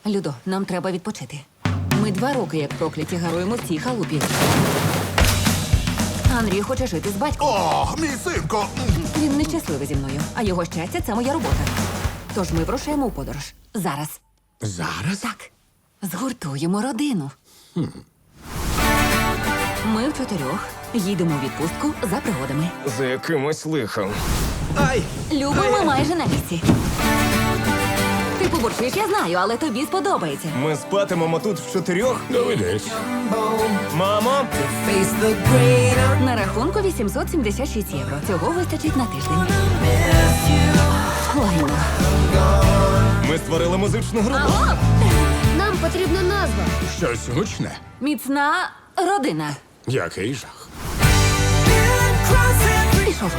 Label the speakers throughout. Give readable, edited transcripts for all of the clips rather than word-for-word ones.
Speaker 1: Людо, нам треба відпочити. Ми 2 роки, як прокляті, гаруємо в цій халупі. Андрій хоче жити з батьком.
Speaker 2: О, мій синко!
Speaker 1: Він нещасливий зі мною, а його щастя – це моя робота. Тож ми вирушаємо у подорож. Зараз.
Speaker 2: Зараз?
Speaker 1: Так. Згуртуємо родину. Ми в 4 їдемо у відпустку за пригодами.
Speaker 3: За якимось лихом.
Speaker 4: Ай!
Speaker 1: Люба, ми майже на місці. Ти побурчиш, я знаю, але тобі сподобається.
Speaker 3: Ми спатимемо тут в 4?
Speaker 2: Доведеться.
Speaker 3: Мамо!
Speaker 1: На рахунку 876 євро. Цього вистачить на тиждень. Лайно.
Speaker 3: Ми створили музичну групу.
Speaker 1: Алло!
Speaker 5: Нам потрібна назва.
Speaker 2: Щось гучне.
Speaker 1: Міцна родина.
Speaker 2: Який жах.
Speaker 1: Пішов.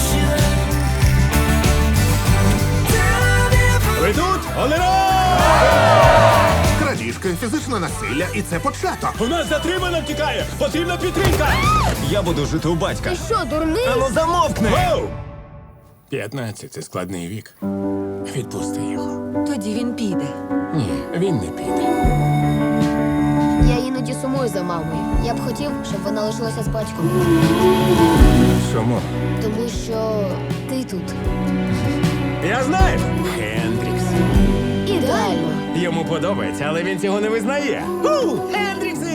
Speaker 4: Ви тут? Олено!
Speaker 2: Крадіжки, фізичне насилля, і це початок.
Speaker 4: У нас затримано втікає! Потрібна підтримка!
Speaker 3: Я буду жити у батька.
Speaker 5: Ти що, дурний?
Speaker 3: Ану замовкни!
Speaker 4: Воу!
Speaker 2: 15 – це складний вік. Відпусти його.
Speaker 1: Тоді він піде.
Speaker 2: Ні, він не піде.
Speaker 5: Я іноді сумую за мамою. Я б хотів, щоб вона лишилася з батьком.
Speaker 2: Чому?
Speaker 5: Тому що ти тут.
Speaker 4: Я знаю!
Speaker 2: Хендрікс.
Speaker 5: Ідеально.
Speaker 4: Йому подобається, але він цього не визнає. Хендріксе!